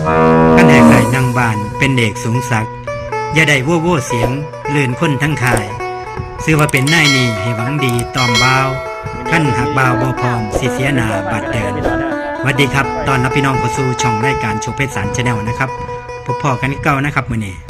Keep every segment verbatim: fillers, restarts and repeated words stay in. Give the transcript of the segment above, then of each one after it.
กันแหกไหลนางบานเป็นเด็กสูงสักอย่าได้โว้โว้เสียงลื่นคนทั้งคายซื้อว่าเป็นนายนี่ให้หวังดีตอมบ่าวขั้นหักบ่าวบ่พร้อมสิเสียหน้าบาดเดินสวัสดีครับตอนรับพี่น้องเข้าสู่ช่องรายการโชว์เพชรสารชาแนลนะครับพบพ่อกันเก่านะครับมื้อนี้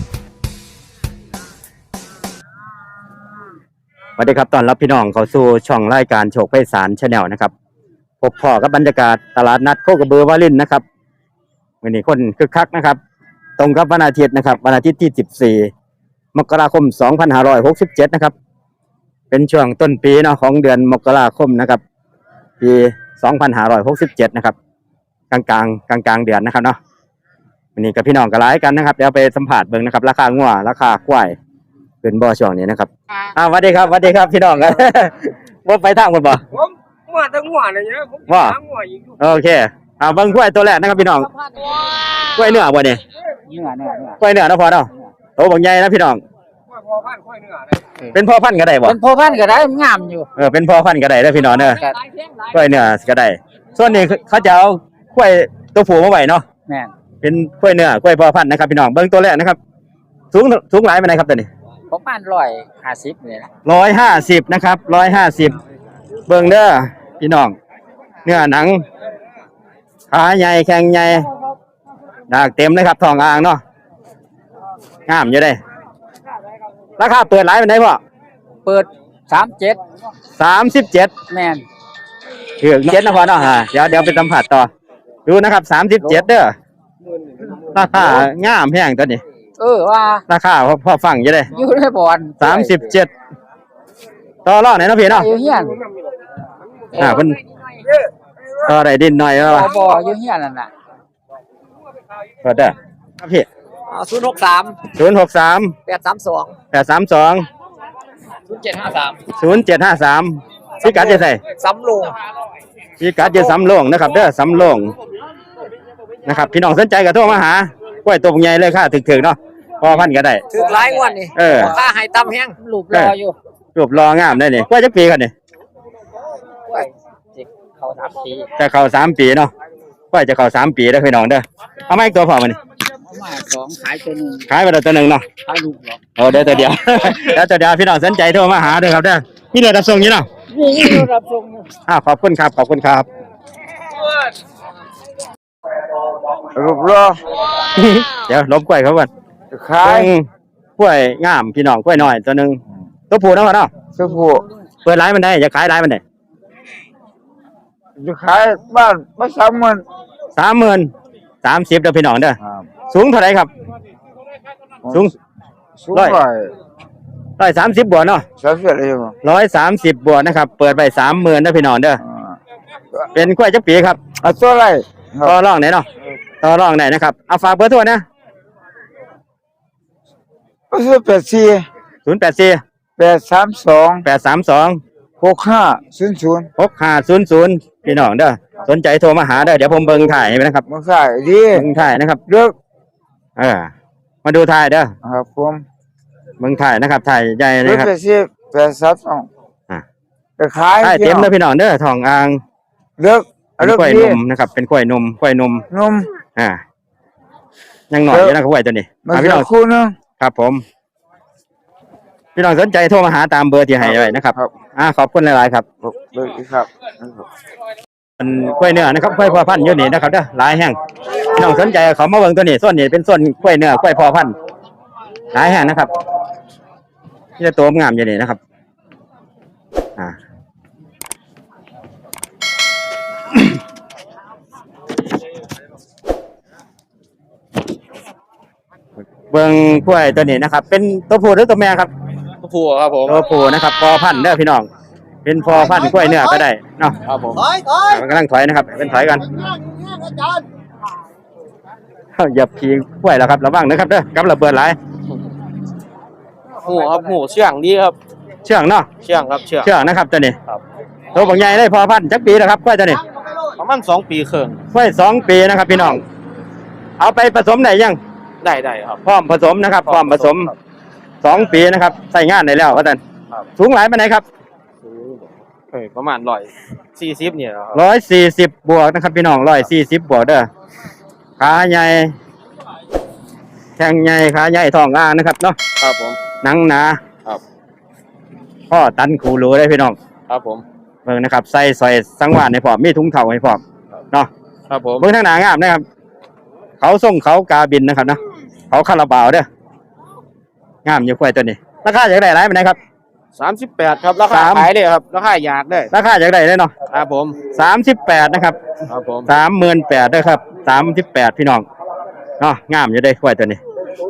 สวัสดีครับตอนรับพี่น้องเข้าสู่ช่องรายการโชว์เพชรสารชาแนลนะครับพบพ่อกับบรรยากาศตลาดนัดโคกระบือวารินนะครับมื้อนี้คนคึกคักนะครับตรงกับวันอาทิตย์นะครับวันอาทิตย์ที่สิบสี่มกราคมสองพันห้าร้อยหกสิบเจ็ดนะครับเป็นช่วงต้นปีเนาะของเดือนมกราคมนะครับปีสองพันห้าร้อยหกสิบเจ็ดนะครับกลางกลางกลางกลางเดือนนะครับเนาะวันนี้กับพี่น้องก็หลายกันนะครับเดี๋ยวไปสัมผัสเบิ่งนะครับราคางัวราคาควายเป็นบ่อช่วงนี้นะครับอ่าสวัสดีครับสวัสดีครับพี่น้องกันว่าไปทางคนบ่ผมมาตั้งหัวเลยเนี่ยผมว่าหัวอีกโอเคอ่าเบิ่งควายตัวแรกนะครับพี่น้องควายเนื้อบ่เนี่ยเนื้อเนื้อเนื้อควายเนื้อเนาะพอเนาะโตบักใหญ่นะพี่น้องพ่อพันธุ์ควายเนื้อเลยเป็นพ่อพันธุ์ก็ได้บ่เป็นพ่อพันธุ์ก็ได้งามอยู่เออเป็นพ่อพันธุ์ก็ได้เด้อพี่น้องเด้อควายเนื้อก็ได้ส่วนนี้เขาจะเอาควายตัวผู้มาไว้เนาะแม่นเป็นควายเนื้อควายพ่อพันธุ์นะครับพี่น้องเบิ่งตัวแรกนะครับสูงสูงหลายปานใดครับตัวนี้ประมาณร้อยห้าสิบนี่แหละร้อยห้าสิบนะครับร้อยห้าสิบเบิ่งเด้อพี่น้องเนื้อหนังขาใหญ่แข้งใหญ่ดากเต็มเลยครับทองอ่างเนาะงามอยู่เด้ราคาเปิดหลายปานใดพ่อเปิดสามเจ็ดสามสิบเจ็ดแม่นถือเจ็ดนะพ่อเนาะฮะเดี๋ยวเดี๋ยวไปสัมผัสต่อดูนะครับสามสิบเจ็ดเด้อราคางามแพงตัวนี้เออว่าราคาพอพอฟังอยู่เด้อยู่ในบ่อนสามสิบเจ็ดต่อรองไหนเนาะพี่เนาะอยู่เฮียนอ่าเพิ่นต่อได้ดินหน่อยแล้วว่าบ่อยู่เฮียนนั่นน่ะก็ได้ครับพี่ศูนย์หกสามศูนย์หกสามแปดสามสองแปดสามสองศูนย์เจ็ดห้าสามศูนย์เจ็ดห้าสามพิกัดจะใส่สำโรงพิกัดจะสำโรงนะครับเด้อสำโรงนะครับพี่น้องสนใจก็โทรมาหากล้วยตัวใหญ่เลยค่ะถึกๆเนาะพอพันก็ได้ถึกหลายงวดนี่เออค่าให้ต่ำแฮงรูปรออยู่รูปรองามได้นี่กล้วยจักปีกันนี่กล้วยเข้าสามปีจะเข้าสามปีเนาะกล้วยจะเข้าสามปีเด้อพี่น้องเด้อเอามาอีกตัวพอมานี่มาสองขายตัวนึงขายไปแล้วตัวนึงเนาะขายลูกเหรอโอ้เดี๋ยวตัวเดียวแล้วตัวเดียวพี่น้องสนใจโทรมาหาเด้อครับเด้อมีเรือรับส่งอยู่เนาะมีเรือรับส่งอ้าวขอบคุณครับขอบคุณครับรูปรอเดี๋ยวลบกล้วยเขาก่อนขายกล้วยงามพี่น้องกล้วยน้อยตัวนึงตัวผู้เนาะเนาะตัวผู้เปิดร้านมันได้จะขายร้านมันได้จะขายบ้านมาสามหมื่นสามหมื่นสามสิบเด้อพี่น้องเด้อสูงเท่าไหร่ครับสูงร้อยร้อยสามสิบบวกเนาะสามสิบอะไรอยู่ร้อยสามสิบบวกนะครับเปิดไปสามหมื่นเด้อพี่น้องเด้อเป็นกล้วยจักปีครับเอาตัวอะไรต่อรองไหนเนาะต่อรองไหนนะครับเอาฝากเบอร์โทรนะศูนย์แปดสี่ศูนย์แปดสี่แปดสามสองแปดสามสองหกห้าศูนย์ศูนย์หกห้าศูนย์ศูนย์พี่น้องเด้อสนใจโทรมาหาเด้อเดี๋ยวผมเบิ่งถ่ายให้นะครับเบิ่งถ่ายดีเบิ่งถ่ายนะครับเลือกเออมาดูถ่ายเด้อครับผมเบิ่งถ่ายนะครับถ่ายใหญ่นะครับศูนย์แปดสี่แปดสามสองอ่ะจะขายถ่ายเต็มเลยพี่น้องเด้อทองอ่างเลือกเป็นกล้วยนมนะครับเป็นกล้วยนมกล้วยนมนมอ่ายังหน่อยอยู่นะครับกล้วยตัวนี้พี่น้องคู่นึงครับผมพี่น้องสนใจโทรมาหาตามเบอร์ที่ให้ไว้นะครับอ่าขอบคุณหลายๆครับเบอร์ครับเป็นกล้วยเนื้อนะครับกล้วยพ่อพันธุ์อยู่นี่นะครับเด้อหลายแห่งพี่น้องสนใจเขามาเบิ่งตัวนี้ส่วนนี้เป็นส่วนกล้วยเนื้อกล้วยพ่อพันธุ์หลายแห่งนะครับที่จะโตงามอยู่นี่นะครับอ่าเบิ่งกล้วยตัวนี้นะครับเป็นตัวผู้หรือตัวแม่ครับตัวผู้ครับผมตัวผู้นะครับพ่อพันธุ์เด้อพี่น้องเป็นพ่อพันธุ์กล้วยเนื้อก็ได้เนาะครับผมถอยถอยมันกำลังถอยนะครับเป็นถอยกันอย่าพีกล้วยแล้วครับระวังนะครับเด้อกับระเบิดหลายหูครับหูเชื่องดีครับเชื่องเนาะเชื่องครับเชื่องเชื่องนะครับตัวนี้ครับตัวบางใหญ่ได้พ่อพันธุ์จักปีแล้วครับกล้วยตัวนี้ประมาณสองปีครึ่งกล้วยสองปีนะครับพี่น้องเอาไปผสมได้ยังได้ได้ครับพร้อมผสมนะครับพร้อมผสมสองปีนะครับใส่งานได้แล้วอาจารย์สูงหลายปานไหนครับเอ้ยประมาณร้อยสี่สิบเนี่ยร้อยสี่สิบบวกนะครับพี่น้องร้อยสี่สิบบวกเด้อขาใหญ่แข้งใหญ่ขาใหญ่ท้องอ่างนะครับเนาะครับผมหนังหนาครับพ่อตันคูรูได้พี่น้องครับผมเบิ่งนะครับใส่ซอยสังวานให้พร้อมมีถุงเท้าให้พร้อมเนาะครับผมเบิ่งทางหน้างามนะครับ เขาส่งเขากาบินนะครับเนาะเขาคาราบาวเด้องามอยู่กล้วยตัวนี้ราคาอยากได้หลายปานใดครับสามสิบแปดครับราคาสามขายเลยครับราคาอยากได้ราคาอยากได้เลยเนาะครับผมสามสิบแปดนะครับครับผมสามหมื่นแปดด้วยครับสามสิบแปดพี่น้องเนาะงามอยู่ได้กล้วยตัวนี้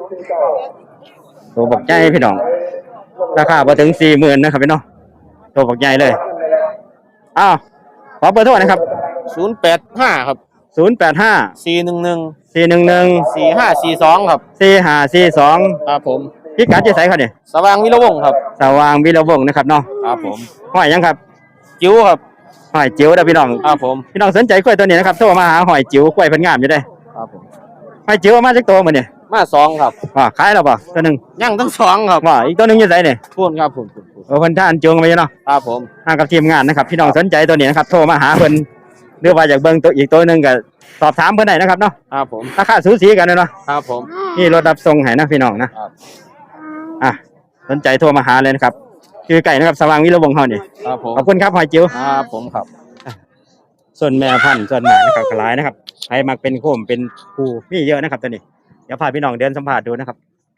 ตัวบักใหญ่พี่น้องราคาพอถึงสี่หมื่นนะครับพี่น้องตัวบักใหญ่เลยอ้าวขอเบอร์โทรนะครับศูนย์แปดห้าครับศูนย์แปดห้าสี่หนึ่งหนึ่งสี่หนึ่งหนึ่งสี่ห้าสี่สองครับสี่ห้าสี่สองครับผมพิกัดจะใส่เขาเนี่ยสว่างวิรวงศ์ครับสว่างวิรวงศ์นะครับเนาะครับผมห้อยยังครับจิ้วครับห้อยจิ๋วเด้อพี่น้องครับผมพี่น้องสนใจกล้วยตัวนี้นะครับโทรมาหาห้อยจิ๋วกล้วยเพิ่นงามอยู่ได้ครับผมห้อยจิ๋วเอามาจากตัวมื้อนี่มาสองครับว่าขายแล้วบ่ตัวหนึงยังทั้งสองครับว่าอีกตัวหนึงอยู่ไสนี่พูดครับพูดพูดพูดโอ้เพิ่นท่านจูงไปอยู่เนาะครับผมมากับทีมงานนะครับ พี่น้องสนใจตัวนี้นะครับโทรมาหาเพิ่นหรือว่าอยากเบิ่งตัวอีกตัวหนึงก็สอบถามเพิ่นได้นะครับเนาะครับผมราคาสูสีกันเลยเนาะครับผมนี่รถรับส่งให้นะพี่น้องนะครับ อ่ะสนใจโทรมาหาเลยนะครับคือไก่นะครับสว่างวิรวงศ์เฮานี่ครับผมขอบคุณครับหอยจิ๋วครับผมครับส่วนแม่พันธุ์ส่วนหมานะครับขลายนะครับใครมักเป็นโคมเป็นภูมีเยอะนะครับตัวนี้เดี๋ยวพาพี่น้องเดินสัมผัสดูนะครับ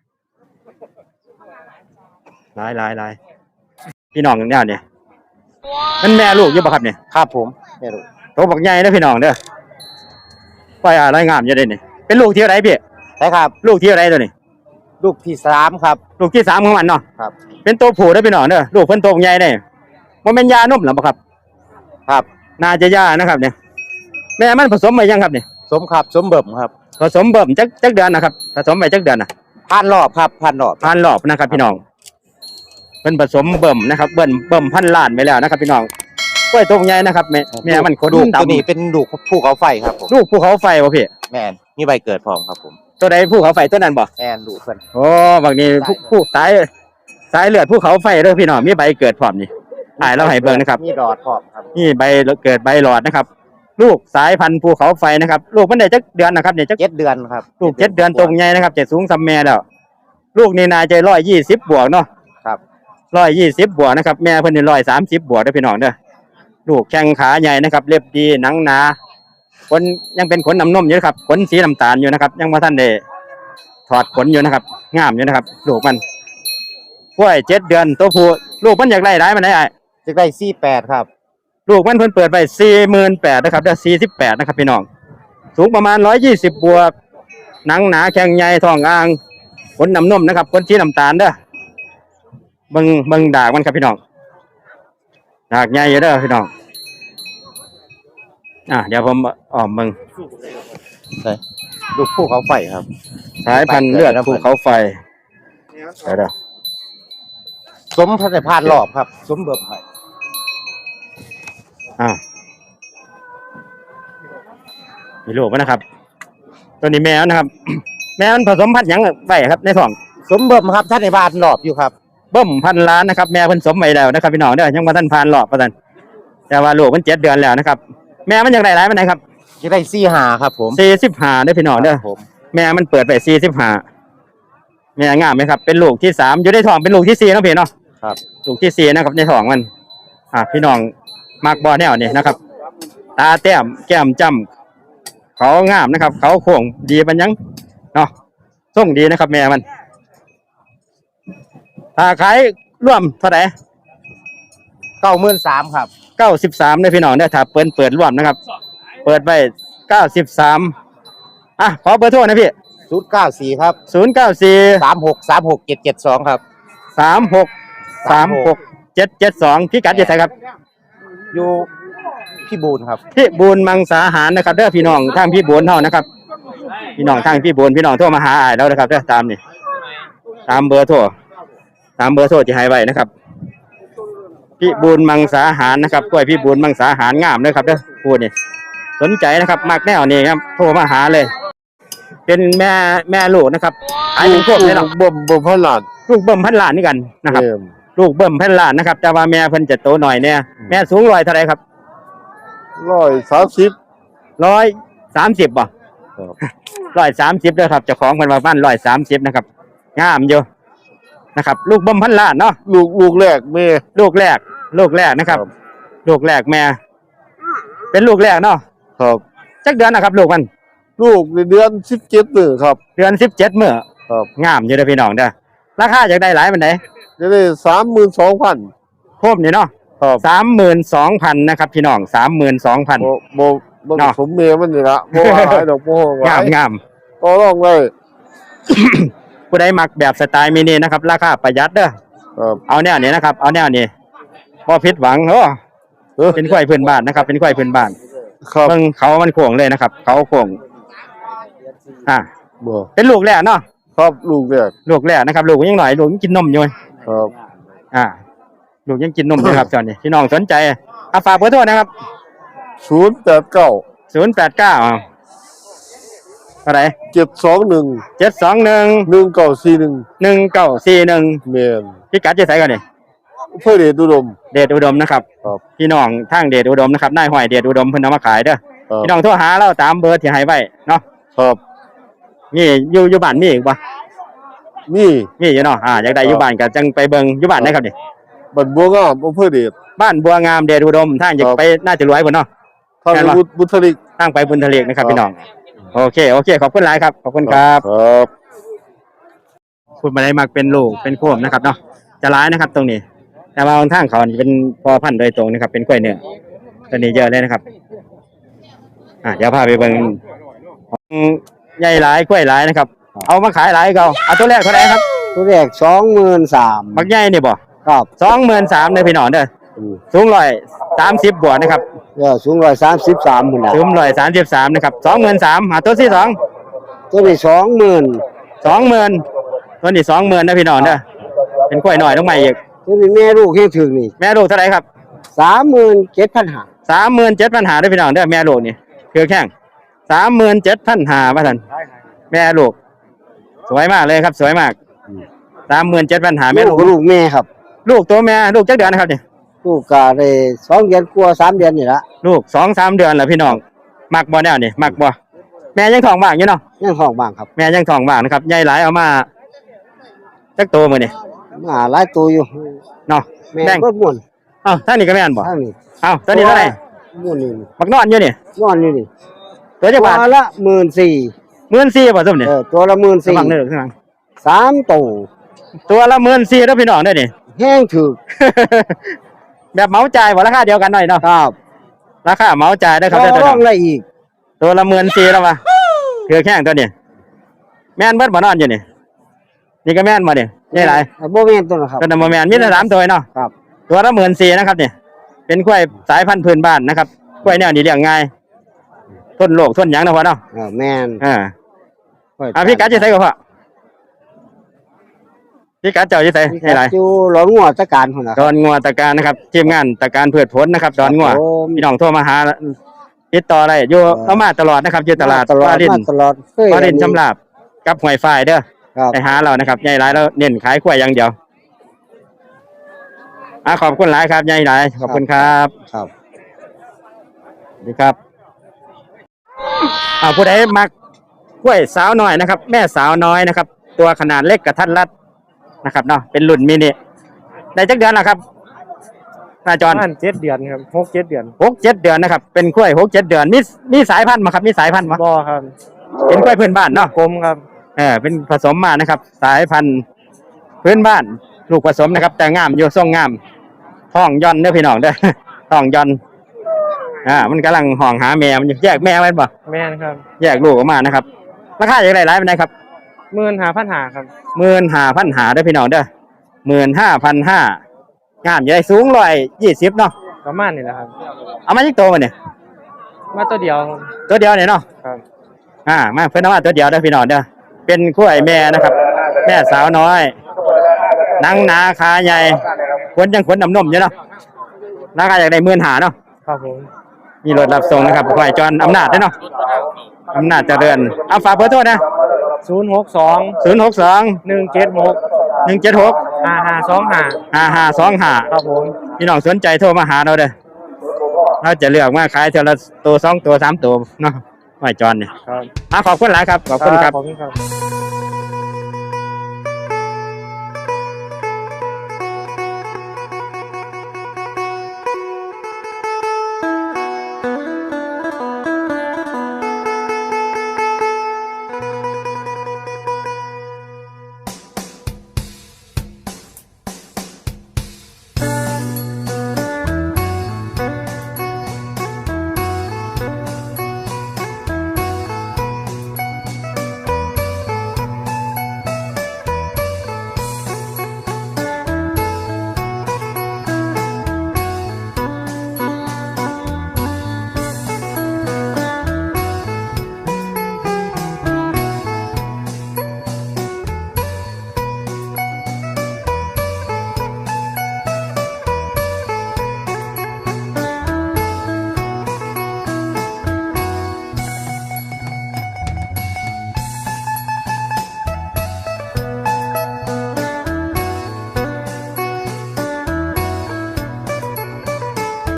หลายหลายหลายพี่น้องเนี่ยเนี่ยนั่นแม่ลูกอยู่ปะครับเนี่ยครับผมไม่รู้โตบักใหญ่นะพี่น้องเด้อปล่อยอะไรงามอยู่เด้นี่เป็นลูกที่อะไรพี่ใช่ครับลูกที่อะไรตัวนี้ลูกที่สามครับลูกที่สามของมันเนาะครับเป็นตัวผู้ได้อพี่น้องเด้อลูกเพิ่นโตบักใหญ่ได้บ่แม่นยานุ่มหรอบ่ครับครับน่าจะยานะครับเนี่ยแม่มันผสมไปยังครับเนี่ยสมครับสมเบิ่มครับผสมเบิ่มจักจักเดือนนะครับผสมไปจักเดือนน่ะพันรอบครับพันรอบพันรอบนะครับพี่น้องเป็นผสมเบิ่มนะครับเบิ่มเบิ่มพันล้านไปแล้วนะครับ พี่น้องกล้วยตัวใหญ่นะครับแม่แม่มันขนลูกดำตัวนี้เป็นลูกภูเขาไฟครับผมลูกภูเขาไฟบ่พี่แมนมีใบเกิดพร้อมครับผมตัวใดภูเขาไฟตัวนั้นบ่แมนลูกเพิ่นโอ้บางนี้ผู้ผู้สายสายเลือดภูเขาไฟเด้อพี่น้องมีใบเกิดพร้อมนี่อ่ายเราให้เบิ่งนะครับมีดอดพร้อมครับนี่ใบเกิดใบหลอดนะครับ ลูกสายพันธุ์ภูเขาไฟนะครับ ลูกมันได้จักเดือนนะครับเนี่ยจักเจ็ดเดือนครับลูกเจ็ดเดือนตรงใหญ่นะครับจะสูงซ้ำแม่แล้วลูกนี่น่าจะร้อยยี่สิบบวกเนาะครับร้อยยี่สิบบวกนะครับแม่เพิ่นนี่ร้อยสามสิบบวกเด้อพี่น้องเด้อลูกแข้งขาใหญ่นะครับเล็บดีหนังหนาขนยังเป็นขนน้ำนมอยู่นะครับขนสีน้ำตาลอยู่นะครับยังบ่ทันได้ถอดขนอยู่นะครับงามอยู่นะครับลูกมันกล้วยเจ็ดเดือนตัวผู้ลูกมันอยากได้หลายมันได้อ้ายจะได้สี่แปดครับลูกมันเพิ่นเปิดไปสี่หมื่นแปดนะครับเด้อสี่สิบแปดนะครับพี่น้องสูงประมาณร้อยยี่สิบบวกหนังหนาแข้งใหญ่ท้องอ่างขนน้ำนมนะครับขนสีน้ำตาลเด้อเบิ่งเบิ่งดากมันครับพี่น้องดากใหญ่อยู่เด้อพี่น้องอ่ะเดี๋ยวผมอ้อมเบิ่งลูกภูเขาไฟครับสายพันธุ์เลือดภูเขาไฟเดี๋ยวเด้อสมพันธุ์พานรอบครับ สมเบิ่มให้อ้าวมีลูกมันนะครับ ตัวนี้แมวนะครับ แมวมันผสมพันธุ์หยังไว้ครับในท้องสมเบิ่มครับท่านในบ้านรอบอยู่ครับเบิ่มพันล้านนะครับแม่เพิ่นสมไว้แล้วนะครับพี่น้องเด้อยังบ่ทันผ่านรอบว่าซั่นแต่ว่าลูกมันเจ็ดเดือนแล้วนะครับแม่มันยังได้หลายปานใดครับจะได้สี่หาครับผมสี่สิบห้าเด้อพี่น้องเด้อผมแม่มันเปิดไปสี่สิบห้าแม่งามไหมครับเป็นลูกที่สามอยู่ในท้องเป็นลูกที่สี่เนาะพี่เนาะครับลูกที่สี่นะครับในท้องมันอ่าพี่น้องมักบ่แนวนี่นะครับ ตาแต้มแก้มจ้ำเขางามนะครับ เขาโค้งดีปันยังเนาะส่งดีนะครับ แม่มันถ้าขายร่วมเท่าไหร่เก้าหมื่นสามครับเก้าสิบสามเนี่ยพี่น้องเนี่ยถ้าเปิดเปิดร่วมนะครับ เปิดไปเก้าสิบสามอ่ะขอเบอร์โทรนะพี่ศูนย์เก้าสี่ครับศูนย์เก้าสี่สามหกสามหกเจ็ดเจ็ดสองครับสามหกสามหกเจ็ดเจ็ดสองพี่กัดอยี่ไสครับอยู่พี่บูนครับพี่บูนมังสาหารนะครับเด้อพี่น้องทางพี่บูนเท่านะครับ พี่น้องทางพี่บูนพี่น้องโทรมาหาอ้ายแล้วนะครับเด้อตามนี่ตามเบอร์โทรตามเบอร์โทรที่ให้ไว้นะครับ พี่บูนมังสาหารนะครับกล้วยพี่บูนมังสาหารงามเลยครับเด้อพูดนี่สนใจนะครับมากแนวนี้ครับโทรมาหาเลย เป็นแม่แม่ลูกนะครับขายเป็นพวกนี้หรอกบ่มบ่มพลาดลูกเบิ่มพันล้านนี่กันนะครับ ลูกเบิ่มพันล้านนะครับแต่ว่าแม่เพิ่นจะโตหน่อยเนี่ยแม่สูงร้อยเท่าไรครับร้อยสามสิบร้อยสามสิบบ่ร้อยสามสิบเด้อครับเจ้าของเพิ่นว่าบ้านร้อยสามสิบนะครับงามอยู่นะครับ ลูกบ่มพันล้านเนาะลูกลูกแรกแม่ลูกแรก ลูกแรกนะครับ ลูกแรกแม่ เป็นลูกแรกเนาะครับจักเดือนนะครับ ลูกมันลูกในเดือนสิบเจ็ดมื้อครับเดือนสิบเจ็ดมื้อครับงามอยู่เด้อพี่น้องเด้อราคาอยากได้หลายปานใดจะได้สามหมื่นสองพันโคมนี่เนาะครับสามหมื่นสองพันนะครับพี่น้องสามหมื่นสองพันบ่บ่บ่เนาะสมเมียมันนี่ละบ่ว่าหลายดอกบ่ว่าหงาลาม ยงามก็ลองเลยผู้ใดมักแบบสไตล์มินินะครับราคาประหยัดเด้อครับเอาแนวนี้นะครับ เอาแนวนี้บ่ผิดหวังโอ้เออเป็นควายพื้นบ้านนะครับ เป็นควายพื้นบ้านครับเบิ่งเขามันโค้งเลยนะครับ เขาโค้งอ่าบ่เป็นลูกแรกเนาะครับลูกแรกลูกแรกนะครับ ลูกยังหน่อยลูกยังกินนมอยู่ครับอ่า ลูกยังกินนมอยู่ครับตอนนี้พี่น้องสนใจเอาฝากเบอร์โทรนะครับศูนย์แปดเก้าศูนย์แปดเก้าเท่าไหร่เจ็ดสองหนึ่งเจ็ดสองหนึ่งหนึ่งเก้าสี่หนึ่งหนึ่งเก้าสี่หนึ่งแม่นพี่กัดจะใส่ก่อนนี่เพื่อเดชอุดมเดชอุดมนะครับครับพี่น้องทางเดชอุดมนะครับนายห้อยเดชอุดมเพิ่นเอามาขายเด้อครับพี่น้องโทรหาเราตามเบอร์ที่ให้ไว้เนาะครับนี่อยู่อยู่บ้านมีอีกบ่นี่มีอยู่เนาะอ่าอยากได้อยู่บ้านก็จังไปเบิ่งอยู่บ้านได้ครับนี่บันบัวงามอำเภอเดชบ้านบัวงามเดชอุดมทางอยากไปน่าจะรวยพุ่นเนาะทางแม่นบ่บุบุตริกทางไปบุญทะเลนะครับครับพี่น้องโอเคโอเคขอบคุณหลายครับขอบคุณครับครับคุณมาได้มักเป็นลูกเป็นโคมนะครับเนาะจะร้ายนะครับ ตรงนี้ แต่ว่าทางเขานี่เป็นพอพันธุ์โดยตรงนะครับ เป็นกล้วยเนื้อตัวนี้เยอะเลยนะครับอ่ะเดี๋ยวพาไปเบิ่งของใหญ่หลายกล้วยหลายนะครับ เอามาขายหลายก็เอาเอาตัวแรกเท่าไหร่ครับตัวแรกสองหมื่นสามบักใหญ่นี่บ่ครับสองหมื่นสามเลยพี่น้องเด้อสูงร้อยสามสิบบวกนะครับเออสูงร้อยสามสิบสามหมื่นสูงร้อยสามสิบสามนะครับสองหมื่นสามหาตัวที่สองตัวนี้สองหมื่นสองหมื่นตัวนี้สองหมื่นนะพี่น้องเด้อเป็นกล้วยหน่อยต้องใหม่อีกตัวนี้แม่ลูกให้ถึงนี่แม่ลูกเท่าไหร่ครับสามหมื่นเจ็ดพันห้าสามหมื่นเจ็ดพันหาด้วยพี่น้องเด้อแม่ลูกนี่คือแข้งสามหมื่นเจ็ดพันหาว่าท่านแม่ลูก สวยมากเลยครับ สวยมากสามหมื่นเจ็ดพันหาแม่ลูลูกกลูกแม่ครับลูกตัวแม่ลูกจักเดือนนะครับเนี่ยลูกกาได้สองเดือนกว่าสามเดือนนี่ละลูกสองสามเดือนแล้วพี่น้องมักบ่แนวนี่มักบ่แม่ยังท้องว่างอยู่เนาะยังห้องบ้างครับแม่ยังท้องว่างนะครับใหญ่หลายเอามาจักโตมื้อนี่มาหลายตัวอยู่เนาะแม่แบ่งก็ม่วนเอ้าท่านนี่ก็แม่นบ่ทางนี้เอ้าตัวนี้เท่าไหร่ม่วนนี่มักนอนอยู่นี่นอนอยู่นี่ตัวจักตัวบาทละหมื่นสี่หมื่นสี่บ่ซุ่มนี่เออตัวละหมื่นระสี่วังเด้อข้างหลังสามตัวตัวละหมื่นสี่แล้วพี่น้องเด้อนี่แห้งถึกแบบเหมาจ่ายบ่ราคาเดียวกันหน่อยเนาะครับราคาเหมาจ่ายได้อครับต่เด้ออตัวรอน้อง งอะไรอีกตัวละหมื่นสี่แล้ววะคือแข้งตัวนี้แม่นเบิดบ่นอนอยู่นี่นี่ก็แม่นบ่นี่นี่หลายโบแมนตัวนะครับตัวนั้นบ่แม่นมีแต่สามตัวเนาะครับตัวละหมื่นสี่นะครับนี่เป็นกล้วยสายพันธุ์พื้นบ้านนะครับกล้วยแนวนี้เลี้ยงง่ายทนโรคทนหยังนะพ่อเนาะเออแมนอ่าอ่าพี่กัดจะใส่กับพ่อพี่กัดเจ้าจะใส่ให้หลายอยู่หลอนงัวตะการคนนะดอนงัวตะการนะครับทีมงานตะการพืชผลนะครับดอนงัวครับผมพี่น้องโทรมาหาติดต่อได้อยู่เอามาตลอดนะครับอยู่ตลาดตลอดวารินมาตลอดเคยวารินชำลาบกับหวยฝ่ายเด้อครับไปหาเรานะครับใหญ่หลายแล้วเน้นขายกล้วยอย่างเดียวอ่ะขอบคุณหลายครับใหญ่หลายขอบคุณครับครับสวัสดีครับอ่าผู้ใดมักกล้วยสาวน้อยนะครับ แม่สาวน้อยนะครับ ตัวขนาดเล็กกระทัดรัดนะครับเนาะเป็นรุ่นมินิได้จักเดือนแล้วครับนาจรประมาณเจ็ดเดือนครับหกเจ็ดเดือนหกเจ็ดเดือนนะครับเป็นกล้วยหกเจ็ดเดือนมีมีสายพันธุ์มาครับมีสายพันธุ์มาบ่ครับเป็นกล้วยพื้นบ้านเนาะกลมครับเออเป็นผสมมานะครับ สายพันธุ์พื้นบ้าน ลูกผสมนะครับ แต่งามอยู่ทรงงามท้องย่อนเด้อพี่น้องเด้อ ท้องย่อนอ่ามันกำลังห่องหาแม่มันอยู่แยกแม่ไว้บ่แม่นครับแยกลูกออกมานะครับราคาอย่างไรหลายเป็นไงครับหมื่นหาพันหาครับหมื่นห้าพันหาเด้อพี่น้องเด้อหมื่นห้าพันห้างามอยู่ได้สูงร้อยยี่สิบเนาะประมาณนี้แหละครับเอามาจิกโตมาเนี่ยมาตัวเดียวครับตัวเดียวเนี่ยเนาะครับอ่ามาเพิ่นเอามาตัวเดียวเด้อพี่น้องเด้อเป็นกล้วยแม่นะครับ แม่สาวน้อยหนังหนาขาใหญ่ขนยังขนน้ำนมอยู่เนาะราคาอย่างไรหมื่นหาเนาะครับผมมีรถรับส่งนะครับควายจรอำนาจเด้อเนาะอำนาจเจริญเอาฝากเบอร์โทรนะศูนย์หกสองศูนย์หกสองหนึ่งเจ็ดหกหนึ่งเจ็ดหกห้าห้าสองห้าห้าห้าสองห้าครับผมพี่น้องสนใจโทรมาหาเราเด้อเราจะเลือกมาขายเท่าละตัวสองตัวสามตัวเนาะห้อยจรเนี่ยครับอ่ะขอบคุณหลายครับขอบคุณครับขอบคุณครับ